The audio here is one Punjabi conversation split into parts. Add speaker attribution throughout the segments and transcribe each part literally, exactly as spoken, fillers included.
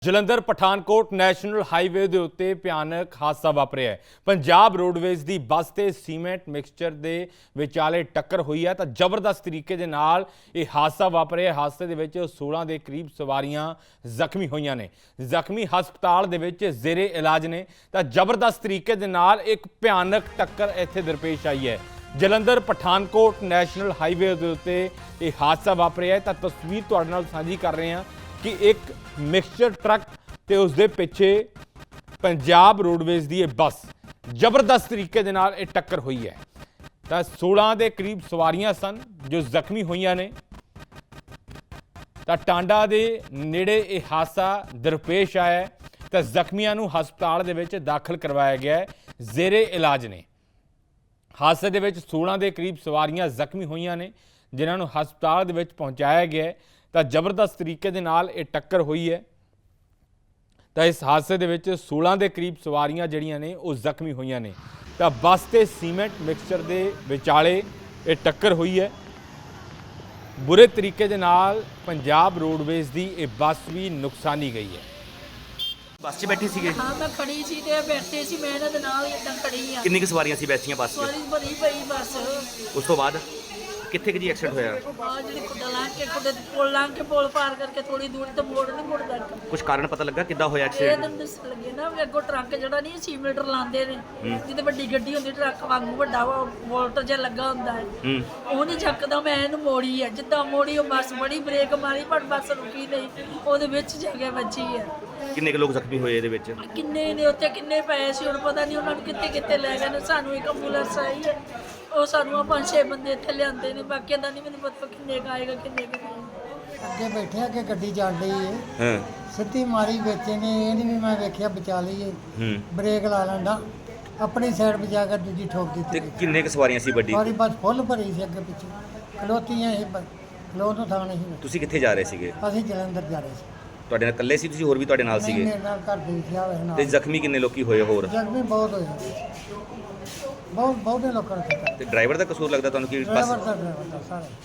Speaker 1: ਜਲੰਧਰ ਪਠਾਨਕੋਟ ਨੈਸ਼ਨਲ ਹਾਈਵੇ ਦੇ ਉੱਤੇ ਭਿਆਨਕ ਹਾਦਸਾ ਵਾਪਰਿਆ ਹੈ। ਪੰਜਾਬ ਰੋਡਵੇਜ਼ ਦੀ ਬੱਸ ਤੇ ਸੀਮੈਂਟ ਮਿਕਸਚਰ ਦੇ ਵਿਚਾਲੇ ਟੱਕਰ ਹੋਈ ਹੈ ਤਾਂ ਜ਼ਬਰਦਸਤ ਤਰੀਕੇ ਦੇ ਨਾਲ ਇਹ ਹਾਦਸਾ ਵਾਪਰਿਆ। ਹਾਦਸੇ ਦੇ ਵਿੱਚ सोलह ਦੇ ਕਰੀਬ ਸਵਾਰੀਆਂ ਜ਼ਖਮੀ ਹੋਈਆਂ ਨੇ, ਜ਼ਖਮੀ ਹਸਪਤਾਲ ਦੇ ਵਿੱਚ ਜ਼ੇਰੇ ਇਲਾਜ ਨੇ ਤਾਂ ਜ਼ਬਰਦਸਤ ਤਰੀਕੇ ਦੇ ਨਾਲ ਇੱਕ ਭਿਆਨਕ ਟੱਕਰ ਇੱਥੇ ਦਰਪੇਸ਼ ਆਈ ਹੈ। ਜਲੰਧਰ ਪਠਾਨਕੋਟ ਨੈਸ਼ਨਲ ਹਾਈਵੇ ਦੇ ਉੱਤੇ ਇਹ ਹਾਦਸਾ ਵਾਪਰਿਆ ਹੈ ਤਾਂ ਤਸਵੀਰ ਤੁਹਾਡੇ ਨਾਲ ਸਾਂਝੀ ਕਰ ਰਹੇ ਹਾਂ कि एक मिक्सचर ट्रक ते उसदे पिछे पंजाब रोडवेज की बस जबरदस्त तरीके दे नाल इह टक्कर हुई है तो सोलह के करीब सवारियां सन जो जख्मी हुई ने तो टांडा के नेड़े यह हादसा दरपेश आया तो जख्मियों नूं हस्पताल दे विच दाखिल करवाया गया है, जेरे इलाज ने। हादसे दे विच सोलह के करीब सवारियां जख्मी हुई ने जिन्हां नूं हस्पताल दे विच पहुंचाया गया है तो जबरदस्त तरीके दे नाल ये टक्कर हुई है तो इस हादसे दे विच सोलह के करीब सवारियां जड़ियां ने वो जख्मी हुई ने तो बस ते सीमेंट मिक्सचर के विचाले ये टक्कर हुई है। बुरे तरीके दे नाल पंजाब रोडवेज की ये बस भी नुकसानी गई है।
Speaker 2: बस च बैठे सीगे?
Speaker 3: हाँ मैं खड़ी सी ते बैठे सी मैं इन्हां दे नाल इदां खड़ी आ।
Speaker 2: किन्नी क सवारियां सी बैठियां बस च?
Speaker 3: सवारी भरी पई बस।
Speaker 2: उस तो बाद कित्थे जी एक्सीडेंट होया?
Speaker 3: आ जेड़ी खुड्डा लांघ के खुड्डे पुल लांघ के पुल पार करके थोड़ी दूर ते मोड़ नहीं मुड़दा।
Speaker 2: कुछ कारण पता लगा किद्दां होया
Speaker 3: ਇਹ
Speaker 2: एक्सीडेंट?
Speaker 3: ਤਾਂ ਦੱਸਣ ਲੱਗੇ ਨਾ ਵੀ ਅੱਗੋਂ ਟਰੱਕ ਜਿਹੜਾ ਨਹੀਂ ਛੇ ਮੀਟਰ ਲਾਉਂਦੇ ਨੇ ਜਿਹਦੇ ਵੱਡੀ ਗੱਡੀ ਹੁੰਦੀ ਟਰੱਕ ਵਾਂਗੂ ਵੱਡਾ ਵੋਲਟ ਜਿਹਾ ਲੱਗਾ ਹੁੰਦਾ ਹੈ
Speaker 2: ਹੂੰ
Speaker 3: ਉਹਨੇ ਚੱਕਦਾ ਮੈਂ ਇਹਨੂੰ ਮੋੜੀ ਹੈ ਜਿੱਦਾਂ ਮੋੜੀ ਉਹ ਬੱਸ ਬੜੀ ਬ੍ਰੇਕ ਮਾਰੀ ਪਰ ਬੱਸ ਰੁਕੀ ਨਹੀਂ ਉਹਦੇ ਵਿੱਚ ਜਗ੍ਹਾ ਬਚੀ ਹੈ।
Speaker 2: किन्ने क लोग जख्मी होए ਇਹਦੇ ਵਿੱਚ?
Speaker 3: ਕਿੰਨੇ ਨੇ ਉੱਥੇ ਕਿੰਨੇ ਪਏ ਸੀ ਹੁਣ ਪਤਾ ਨਹੀਂ ਉਹਨਾਂ ਨੂੰ ਕਿੱਥੇ ਕਿੱਥੇ ਲੈ ਗਏ ਨੇ। ਸਾਨੂੰ ਇੱਕ ਐਂਬੂਲੈਂਸ ਆਈ ਹੈ ਉਹ ਸਾਨੂੰ ਆ ਪੰਜ ਛੇ ਬੰਦੇ ਇੱਥੇ ਲਿਆਂਦੇ ਨੇ, ਬਾਕੀਆਂ ਦਾ ਨਹੀਂ ਮੈਨੂੰ ਪਤਾ ਕਿੰਨੇ ਕੁ ਆਏਗਾ ਕਿੰਨੇ ਕੁ ਨਹੀਂ।
Speaker 4: ਅੱਗੇ ਬੈਠੇ ਅੱਗੇ ਗੱਡੀ ਚੱਲ ਰਹੀ ਹੈ,
Speaker 2: ਹਾਂ
Speaker 4: ਸਿੱਧੀ ਮਾਰੀ ਵਿੱਚ ਨੇ, ਇਹ ਨਹੀਂ ਵੀ ਮੈਂ ਵੇਖਿਆ ਬਚਾ ਲਈਏ,
Speaker 2: ਹੂੰ
Speaker 4: ਬ੍ਰੇਕ ਲਾ ਲੈਂਦਾ ਆਪਣੀ ਸਾਈਡ ਬਚਾ ਕੇ ਦੂਜੀ ਠੋਕ
Speaker 2: ਤੇ
Speaker 4: ਦਿੱਤੀ।
Speaker 2: ਕਿੰਨੇ ਕ ਸਵਾਰੀਆਂ ਸੀ ਵੱਡੀ?
Speaker 4: ਸਾਰੀ ਬੱਸ ਫੁੱਲ ਭਰੀ ਸੀ ਅੱਗੇ ਪਿੱਛੇ ਖਲੋਤੀਆਂ ਸੀ, ਖਲੋ ਤੋਂ ਥਾਂ ਨਹੀਂ।
Speaker 2: ਤੁਸੀਂ ਕਿੱਥੇ ਜਾ ਰਹੇ ਸੀਗੇ?
Speaker 4: ਅਸੀਂ ਜਲੰਧਰ ਜਾ ਰਹੇ ਸੀ।
Speaker 2: ਤੁਹਾਡੇ ਨਾਲ ਇਕੱਲੇ ਸੀ ਤੁਸੀਂ, ਹੋਰ ਵੀ ਤੁਹਾਡੇ ਨਾਲ
Speaker 4: ਨਹੀਂ,
Speaker 2: ਸੀਗੇ?
Speaker 4: ਮੇਰੇ ਨਾਲ ਘਰ ਦੇ ਵਿਖਿਆ ਹੋਇਆ
Speaker 2: ਤੇ
Speaker 4: ਨਾਲ।
Speaker 2: ਜ਼ਖਮੀ ਕਿੰਨੇ ਲੋਕੀ ਹੋਏ ਹੋਰ?
Speaker 4: ਜ਼ਖਮੀ ਬਹੁਤ ਹੋਏ, ਬਹੁਤ ਬਹੁਤੇ ਲੋਕਾਂ ਨੇ ਕੀਤਾ।
Speaker 2: ਤੇ ਡਰਾਈਵਰ ਦਾ ਕਸੂਰ ਲੱਗਦਾ ਤੁਹਾਨੂੰ ਕਿ
Speaker 4: ਡਰਾਈਵਰ
Speaker 2: ਬਸ?
Speaker 4: ਦਾ ਡਰਾਈਵਰ ਦਾ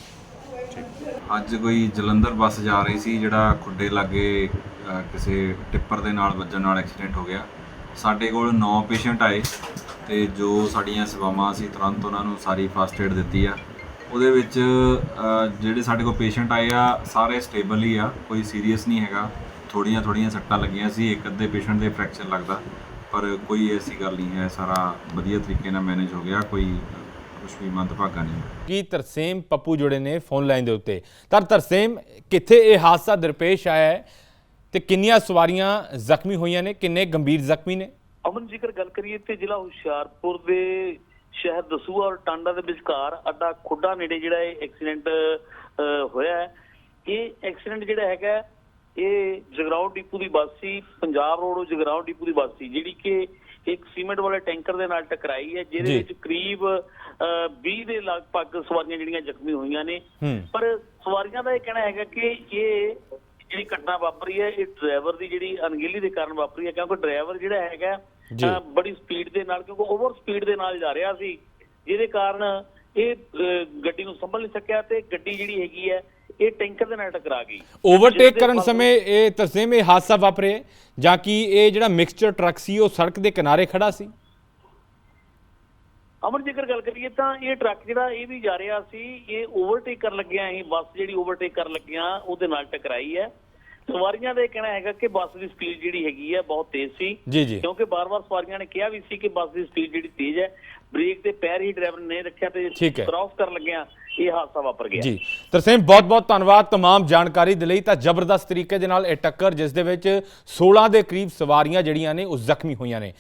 Speaker 4: ਸਾਰੇ।
Speaker 5: ਅੱਜ ਕੋਈ ਜਲੰਧਰ ਬੱਸ ਜਾ ਰਹੀ ਸੀ ਜਿਹੜਾ ਖੁੱਡੇ ਲਾਗੇ ਅ, ਕਿਸੇ ਟਿੱਪਰ ਦੇ ਨਾਲ ਵੱਜਣ ਨਾਲ ਐਕਸੀਡੈਂਟ ਹੋ ਗਿਆ। ਸਾਡੇ ਕੋਲ ਨੌ ਪੇਸ਼ੈਂਟ ਆਏ ਤੇ ਜੋ ਸਾਡੀਆਂ ਸੇਵਾਵਾਂ ਸੀ ਤੁਰੰਤ ਉਹਨਾਂ ਨੂੰ ਸਾਰੀ ਫਸਟ ਏਡ ਦਿੱਤੀ ਆ। ਉਹਦੇ ਵਿੱਚ ਅ, ਜਿਹੜੇ ਸਾਡੇ ਕੋਲ ਪੇਸ਼ੈਂਟ ਆਏ ਆ ਸਾਰੇ ਸਟੇਬਲ ਹੀ ਆ, ਕੋਈ ਸੀਰੀਅਸ ਨਹੀਂ ਹੈਗਾ। ਥੋੜ੍ਹੀਆਂ ਥੋੜ੍ਹੀਆਂ ਸੱਟਾਂ ਲੱਗੀਆਂ ਸੀ, ਇੱਕ ਅੱਧੇ ਪੇਸ਼ੈਂਟ ਦੇ ਫ੍ਰੈਕਚਰ ਲੱਗਦਾ ਪਰ ਕੋਈ ਐਸੀ ਗੱਲ ਨਹੀਂ ਹੈ, ਸਾਰਾ ਵਧੀਆ ਤਰੀਕੇ ਨਾਲ ਮੈਨੇਜ ਹੋ ਗਿਆ, ਕੋਈ ਕੁਛ ਵੀ ਮੰਦਭਾਗਾ ਨਹੀਂ।
Speaker 1: ਕੀ ਤਰਸੇਮ ਪੱਪੂ ਜੁੜੇ ਨੇ ਫੋਨ ਲਾਈਨ ਦੇ ਉੱਤੇ। ਤਾਂ ਤਰਸੇਮ, ਕਿੱਥੇ ਇਹ ਹਾਦਸਾ ਦਰਪੇਸ਼ ਆਇਆ ਹੈ ਤੇ ਕਿੰਨੀਆਂ ਸਵਾਰੀਆਂ ਜ਼ਖਮੀ ਹੋਈਆਂ ਨੇ, ਕਿੰਨੇ ਗੰਭੀਰ ਜ਼ਖਮੀ ਨੇ?
Speaker 6: ਅਮਨ ਜੇਕਰ ਗੱਲ ਕਰੀਏ ਤੇ ਜ਼ਿਲ੍ਹਾ ਹੁਸ਼ਿਆਰਪੁਰ ਦੇ ਸ਼ਹਿਰ ਦਸੂਹਾ ਔਰ ਟਾਂਡਾ ਦੇ ਵਿਚਕਾਰ ਅੱਡਾ ਖੁੱਡਾ ਨੇੜੇ ਜਿਹੜਾ ਇਹ ਐਕਸੀਡੈਂਟ ਹੋਇਆ ਹੈ। ਇਹ ਐਕਸੀਡੈਂਟ ਜਿਹੜਾ ਹੈਗਾ ਇਹ ਜਗਰਾਉਂ ਡਿਪੂ ਦੀ ਬੱਸ ਸੀ, ਪੰਜਾਬ ਰੋਡ ਜਗਰਾਉਂ ਡਿਪੂ ਦੀ ਬੱਸ ਸੀ ਜਿਹੜੀ ਕਿ ਇੱਕ ਸੀਮੈਂਟ ਵਾਲੇ ਟੈਂਕਰ ਦੇ ਨਾਲ ਟਕਰਾਈ ਹੈ, ਜਿਹਦੇ ਵਿੱਚ ਕਰੀਬ ਵੀਹ ਦੇ ਲਗਭਗ ਸਵਾਰੀਆਂ ਜਿਹੜੀਆਂ ਜ਼ਖਮੀ ਹੋਈਆਂ ਨੇ। ਪਰ ਸਵਾਰੀਆਂ ਦਾ ਇਹ ਕਹਿਣਾ ਹੈਗਾ ਕਿ ਇਹ ਜਿਹੜੀ ਘਟਨਾ ਵਾਪਰੀ ਹੈ ਇਹ ਡਰਾਈਵਰ ਦੀ ਜਿਹੜੀ ਅਣਗਹਿਲੀ ਦੇ ਕਾਰਨ ਵਾਪਰੀ ਹੈ, ਕਿਉਂਕਿ ਡਰਾਈਵਰ ਜਿਹੜਾ ਹੈਗਾ ਬੜੀ ਸਪੀਡ ਦੇ ਨਾਲ, ਕਿਉਂਕਿ ਓਵਰ ਸਪੀਡ ਦੇ ਨਾਲ ਜਾ ਰਿਹਾ ਸੀ, ਜਿਹਦੇ ਕਾਰਨ ਇਹ ਗੱਡੀ ਨੂੰ ਸੰਭਲ ਨਹੀਂ ਸਕਿਆ ਤੇ ਗੱਡੀ ਜਿਹੜੀ ਹੈਗੀ ਹੈ ਇਹ ਟੈਂਕਰ ਦੇ ਨਾਲ ਟਕਰਾ ਗਈ।
Speaker 1: ਓਵਰਟੇਕ ਕਰਨ ਸਮੇਂ ਇਹ ਤਰਸੇਮ ਇਹ ਹਾਦਸਾ ਵਾਪਰਿਆ ਜਾਂ ਕਿ ਇਹ ਜਿਹੜਾ ਮਿਕਸਚਰ ਟਰੱਕ ਸੀ ਉਹ ਸੜਕ ਦੇ ਕਿਨਾਰੇ ਖੜਾ ਸੀ?
Speaker 6: ਅਮਰ ਜੇਕਰ ਗੱਲ ਕਰੀਏ ਤਾਂ ਇਹ ਟਰੱਕ ਜਿਹੜਾ ਇਹ ਵੀ ਜਾ ਰਿਹਾ ਸੀ, ਇਹ ਓਵਰਟੇਕ ਕਰਨ ਲੱਗਿਆ ਇਹ ਬੱਸ ਜਿਹੜੀ ਓਵਰਟੇਕ ਕਰਨ ਲੱਗਿਆ ਉਹਦੇ ਨਾਲ ਟਕਰਾਈ ਹੈ। ਸਵਾਰੀਆਂ ਦਾ ਇਹ ਕਹਿਣਾ ਹੈਗਾ ਕਿ ਬੱਸ ਦੀ ਸਪੀਡ ਜਿਹੜੀ ਹੈਗੀ ਹੈ ਬਹੁਤ ਤੇਜ਼ ਸੀ,
Speaker 1: ਜੀ ਜੀ,
Speaker 6: ਕਿਉਂਕਿ ਬਾਰ-ਬਾਰ ਸਵਾਰੀਆਂ ਨੇ ਕਿਹਾ ਵੀ ਸੀ ਕਿ ਬੱਸ ਦੀ ਸਪੀਡ ਜਿਹੜੀ ਤੇਜ਼ ਹੈ, ਬ੍ਰੇਕ ਤੇ ਪੈਰ ਹੀ ਡਰਾਈਵਰ ਨੇ ਰੱਖਿਆ ਤੇ ਕ੍ਰਾਸ ਕਰਨ ਲੱਗਿਆ ਇਹ ਹਾਦਸਾ ਵਾਪਰ ਗਿਆ।
Speaker 1: ਜੀ ਤਰਸੇਮ, ਬਹੁਤ ਬਹੁਤ ਧੰਨਵਾਦ तमाम ਜਾਣਕਾਰੀ ਦੇ ਲਈ। ਤਾਂ ਜ਼ਬਰਦਸਤ ਤਰੀਕੇ ਦੇ ਨਾਲ ਇਹ ਟੱਕਰ ਜਿਸ ਦੇ ਵਿੱਚ सोलह ਦੇ ਕਰੀਬ ਸਵਾਰੀਆਂ ਜਿਹੜੀਆਂ ਨੇ ਉਹ ਜ਼ਖਮੀ ਹੋਈਆਂ ਨੇ।